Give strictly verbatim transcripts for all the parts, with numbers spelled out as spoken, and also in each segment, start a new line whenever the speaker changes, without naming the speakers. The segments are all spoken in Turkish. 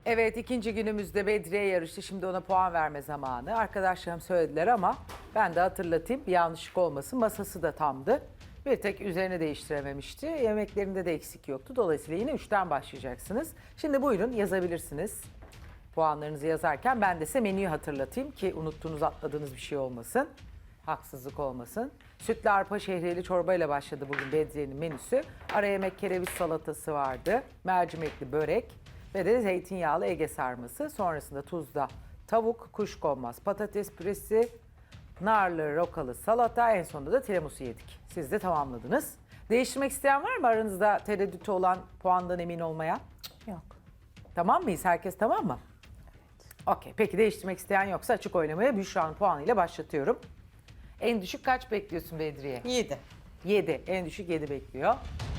Evet, ikinci günümüzde Bedriye yarıştı. Şimdi ona puan verme zamanı. Arkadaşlarım söylediler ama ben de hatırlatayım. Bir yanlışlık olmasın. Masası da tamdı. Bir tek üzerine değiştirememişti. Yemeklerinde de eksik yoktu. Dolayısıyla yine üçten başlayacaksınız. Şimdi buyurun yazabilirsiniz. Puanlarınızı yazarken ben de size menüyü hatırlatayım ki unuttuğunuz, atladığınız bir şey olmasın. Haksızlık olmasın. Sütlü arpa şehriyeli çorbayla başladı bugün Bedriye'nin menüsü. Ara yemek kereviz salatası vardı. Mercimekli börek ve de zeytinyağlı Ege sarması. Sonrasında tuzda tavuk, kuşkonmaz, patates püresi, narlı rokalı salata. En sonunda da tiramisu yedik. Siz de tamamladınız. Değiştirmek isteyen var mı aranızda, tereddütü olan, puandan emin olmayan?
Yok.
Tamam mıyız? Herkes tamam mı? Okey. Peki değiştirmek isteyen yoksa açık oylamaya Büşra'nın puanıyla başlatıyorum. En düşük kaç bekliyorsun Bedriye?
Yedi.
yedi. En düşük yedi bekliyor.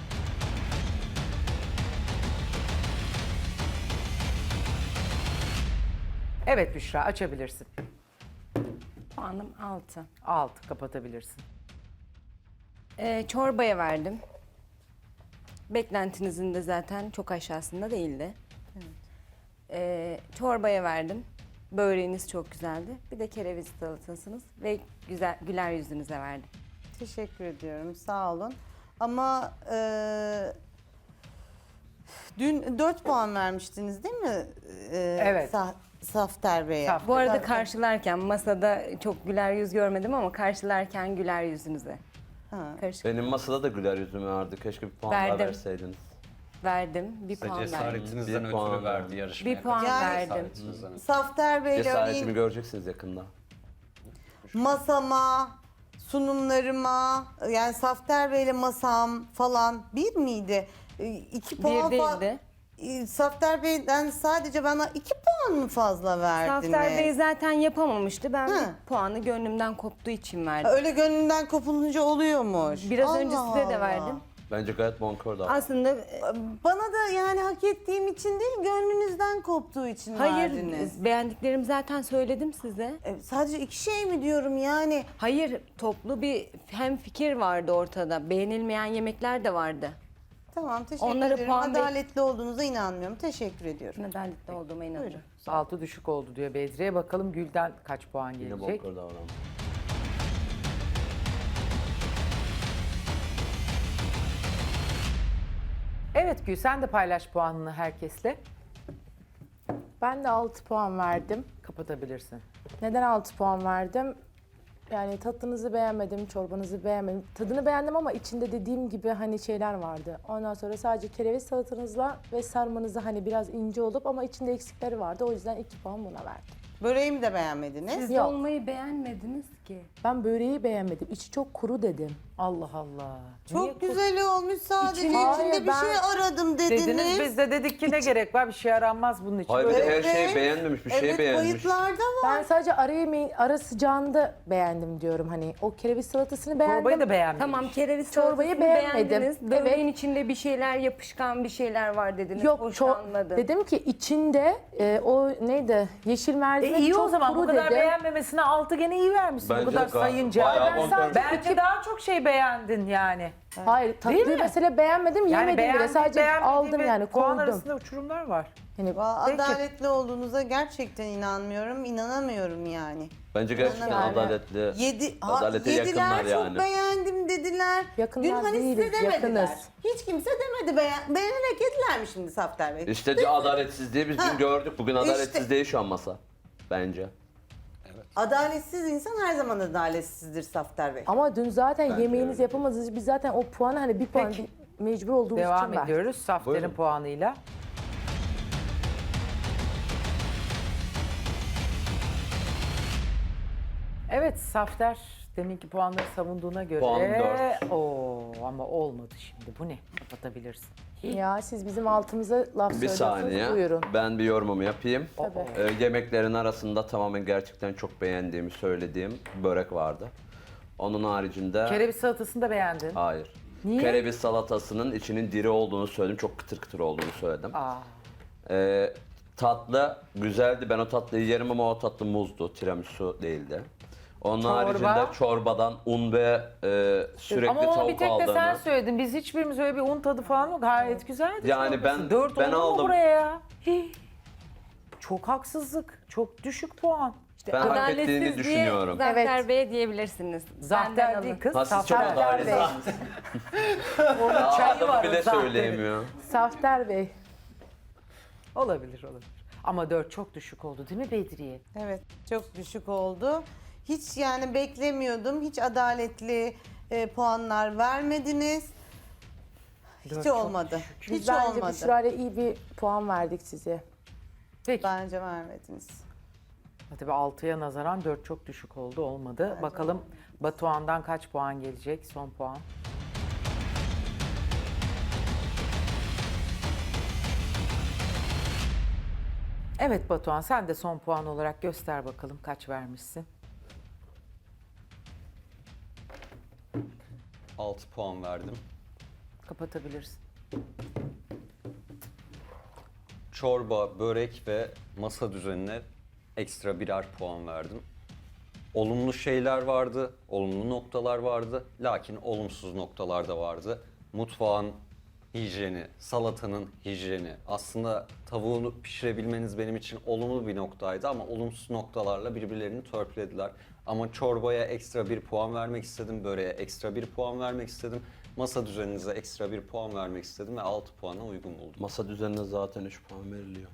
Evet Büşra, açabilirsin.
Puanım altı.
altı kapatabilirsin.
Ee, çorbaya verdim. Beklentinizin de zaten çok aşağısında değildi. Ee, çorbaya verdim. Böreğiniz çok güzeldi. Bir de kereviz salatasınız ve güzel güler yüzünüze verdim.
Teşekkür ediyorum. Sağ olun. Ama e, dün dört puan vermiştiniz değil mi? E,
Evet.
Sa Safter Bey'e.
Saf-
Bu arada
Tabii.
karşılarken masada çok güler yüz görmedim ama karşılarken güler yüzünüze.
Ha.
Karışık
Benim masada da güler yüzüm vardı. Keşke bir puan daha
Verdim.
verseydiniz.
verdim. Bir
Size
puan verdim.
cesaretinizden
Bir puan
ötürü verdi
verdim.
yarışmaya.
Bir puan
Yani-
verdim.
Cesaretinizden ötürü.
Safter Bey'le
Cesaretimi
örneğin
göreceksiniz yakında.
masama, sunumlarıma, yani Safter Bey'le masam falan bir miydi? E, İki puan
Bir
fa-
değildi.
E, Safter Bey'den sadece bana iki puan mı fazla verdiniz?
Safter Bey zaten yapamamıştı. Ben
Hı.
bir puanı gönlümden koptuğu için verdim.
Öyle gönlünden kopulunca oluyormuş.
Biraz
Allah
önce size de
Allah.
verdim.
Bence gayet bonkör davrandı.
Aslında e,
Bana da yani hak ettiğim için değil, gönlünüzden koptuğu için
hayır,
verdiniz.
beğendiklerimi zaten söyledim size.
E, sadece iki şey mi diyorum yani?
Hayır, toplu bir hem fikir vardı ortada. Beğenilmeyen yemekler de vardı.
Tamam, teşekkür
Onlara
ederim.
puan ver-
Adaletli olduğunuza inanmıyorum. Teşekkür ediyorum.
Adaletli olduğuma inanıyorum.
altı düşük oldu diyor Bedriye. Bakalım Gül'den kaç puan
Yine
gelecek?
bonkör davrandı.
Evet Gül, sen de paylaş puanını herkesle.
Ben de altı puan verdim.
Kapatabilirsin.
Neden altı puan verdim? Yani tatlınızı beğenmedim, çorbanızı beğenmedim. Tadını beğendim ama içinde dediğim gibi hani şeyler vardı. Ondan sonra sadece kereviz salatanızla ve sarmanızı hani biraz ince olup ama içinde eksikleri vardı. O yüzden iki puan buna verdim.
Böreğimi de beğenmediniz.
Siz
Yok.
dolmayı beğenmediniz ki.
Ben böreği beğenmedim. İçi çok kuru dedim.
Allah Allah.
Çok
Niye
güzel olmuş, sadece
İçini-
içinde
Hayır,
bir
ben-
şey aradım dediniz.
dediniz? Biz de dedik ki ne gerek var, bir şey aranmaz bunun için.
Hayır bir
Böyle-
de her şeyi
Evet.
beğenmemiş, bir şey
Evet,
beğenmiş.
kayıtlarda var.
Ben sadece ara yemeğin ara sıcağında beğendim diyorum. Hani o kereviz salatasını beğendim.
Çorbayı da beğenmemiş.
Tamam, kereviz
Çorbayı
salatasını
beğenmedim.
beğendiniz. Böreğin içinde bir şeyler yapışkan bir şeyler var dediniz.
Yok,
Hoşlanmadım.
çok dedim ki içinde e, o neydi? Yeşil
E
mercimek
iyi
çok
o zaman, bu
kuru
kadar
dedim.
beğenmemesine altı gene iyi vermişsin.
Bence
bu kadar
de gayet-
sayınca.
bayağı
Ben
bonkör.
sadece Bence daha çok şey beğendin yani.
Hayır,
Değil mi?
tatlıyı mesela beğenmedim,
Yani
yemedim bile.
beğendin,
Sadece
beğenmediğin
aldım
ve
yani,
puan
koydum.
arasında uçurumlar var.
Yani
Valla
Peki.
adaletli olduğunuza gerçekten inanmıyorum, inanamıyorum yani.
Bence gerçekten
Yani-
adaletli.
Yedi, ha,
Adalete
yediler,
yakınlar
çok
yani.
beğendim dediler.
Yakınlar
Dün hani size
değiliz,
demediler.
yakınız.
Hiç kimse demedi, beğen, beğenerek yediler mi şimdi Safter Bey?
İşte adaletsizliği biz dün gördük. Bugün
İşte-
adaletsiz değil şu an masa. Bence.
Adaletsiz insan her zaman adaletsizdir Safter Bey.
ama dün zaten
Bence
yemeğinizi
öyle.
yapamadınız. Biz zaten o puanı hani bir puan
Peki.
bir- mecbur olduğumuz
Devam
için verdik.
ediyoruz Safter'in
Buyurun.
puanıyla. Evet Safter deminki puanları savunduğuna göre.
Puan dört.
Oo, ama olmadı şimdi. Bu ne? Kapatabilirsin.
Ya siz bizim altımıza laf
Bir
söylüyorsunuz.
saniye.
Buyurun.
Ben bir yorumumu yapayım.
Tabii.
Ee, yemeklerin arasında tamamen gerçekten çok beğendiğimi söylediğim börek vardı. Onun haricinde...
Kereviz salatasını da beğendin.
Hayır.
Niye?
Kereviz salatasının içinin diri olduğunu söyledim. Çok kıtır kıtır olduğunu söyledim.
Aa,
Ee, tatlı güzeldi. Ben o tatlıyı yerim ama o tatlı muzdu. Tiramisu değildi. Onun
Çorba?
haricinde çorbadan un ve e, sürekli
ama onu
tavuk
bir tek de
aldığını...
sen söyledin. Biz hiçbirimiz öyle bir un tadı falan yok. Gayet güzeldi.
Yani
çorbası.
ben-
Dört
ben
olur mu
aldım.
buraya ya? Hii. çok haksızlık. Çok düşük puan.
İşte
Ben hak
adaletsiz
ettiğini
diye
düşünüyorum.
Zafer
Evet.
Bey'e diyebilirsiniz. Benden
Zahter
alın.
değil kız.
Ha, siz çok
Zahter Bey.
adaletsiniz.
Onun çayı
Adamı
var
bile
o Zahter'in.
söyleyemiyor.
Safter Bey.
Olabilir olabilir. Ama dört çok düşük oldu değil mi Bedriye?
Evet, çok düşük oldu. Hiç yani beklemiyordum. Hiç adaletli e, puanlar vermediniz. Hiç
Dört çok
olmadı.
düşük.
Biz
Hiç
bence
olmadı.
Büşra'yla iyi bir puan verdik size.
Peki.
Bence vermediniz.
Tabii altıya nazaran dört çok düşük oldu. Olmadı. Bakalım Batuhan'dan kaç puan gelecek? Son puan. Evet Batuhan sen de son puan olarak göster bakalım kaç vermişsin.
altı puan verdim.
Kapatabilirsin.
Çorba, börek ve masa düzenine ekstra birer puan verdim. Olumlu şeyler vardı, olumlu noktalar vardı. Lakin olumsuz noktalar da vardı. Mutfağın hijyeni, salatanın hijyeni. Aslında tavuğunu pişirebilmeniz benim için olumlu bir noktaydı ama olumsuz noktalarla birbirlerini törpülediler. Ama çorbaya ekstra bir puan vermek istedim, böreğe ekstra bir puan vermek istedim. Masa düzeninize ekstra bir puan vermek istedim ve altı puana uygun buldum.
Masa düzenine zaten üç puan veriliyor.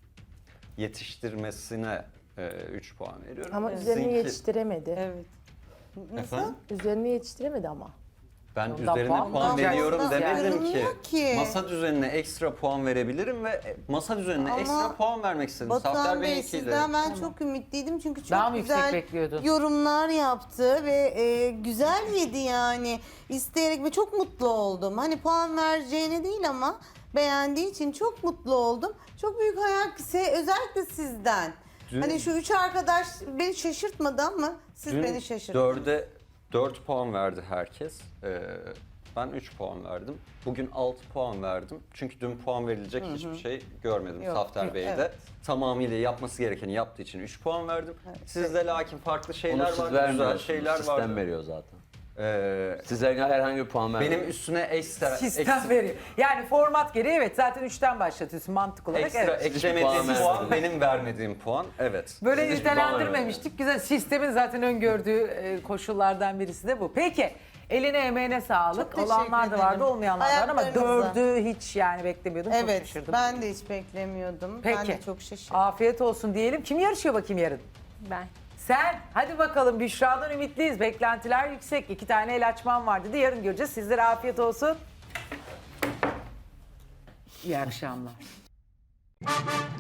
Yetiştirmesine üç puan veriyorum.
Ama
Sizinki-
üzerini yetiştiremedi.
Evet.
Efendim?
Üzerini yetiştiremedi ama.
Ben
Ondan
üzerine
puan
puan,
mı
veriyorum
alacaksınız
demedim
yani?
ki.
Yorumluyor ki.
Masa düzenine ekstra puan verebilirim ve e, masa düzenine
Ama
ekstra puan vermek istedim.
Batuhan
Safter
Bey
Bey'inkiyle.
sizden ben çok ümitliydim çünkü çok
Daha mı yüksek
güzel
bekliyordun?
yorumlar yaptı ve e, güzel yedi yani. İsteyerek ve çok mutlu oldum. Hani puan vereceğine değil ama beğendiği için çok mutlu oldum. Çok büyük hayal se- özellikle sizden.
Dün-
Hani şu üç arkadaş beni şaşırtmadı ama siz
Dün
beni şaşırttınız.
dörde dört puan verdi herkes. Ee, ben üç puan verdim. Bugün altı puan verdim. Çünkü dün puan verilecek hiçbir şey görmedim
Yok,
Safter
yok,
Bey'de.
evet.
Tamamıyla yapması gerekeni yaptığı için üç puan verdim. Sizde lakin farklı
Onu
şeyler
siz
var, güzel
vermiyorsunuz.
şeyler
Sistem
var.
veriyor zaten.
Ee,
Size herhangi bir puan vermiyor.
benim üstüne ekstra
Sistem
ekstra-
veriyor. Yani format gereği evet zaten üçten başlatıyorsun mantık olarak.
Ekstra
evet.
eklemediğim
Hiçbir puan
puan
vermedim.
benim vermediğim puan. Evet.
Böyle
Siz hiçbir puan
nitelendirmemiştik. Güzel. Sistemin zaten öngördüğü e, koşullardan birisi de bu. Peki. Eline emeğine sağlık.
Çok teşekkür
Olanlar da vardı,
ederim.
olmayanlar da var ama
Ayaklarınıza.
dördü hiç yani beklemiyordum. Çok
Evet
şaşırdım.
ben de hiç beklemiyordum. Ben
Peki.
de çok şaşırdım.
Afiyet olsun diyelim. Kim yarışıyor bakayım yarın?
Ben.
Sen. Hadi bakalım Büşra'dan ümitliyiz. Beklentiler yüksek. İki tane el açmam var dedi. Yarın göreceğiz. Sizlere afiyet olsun. İyi akşamlar.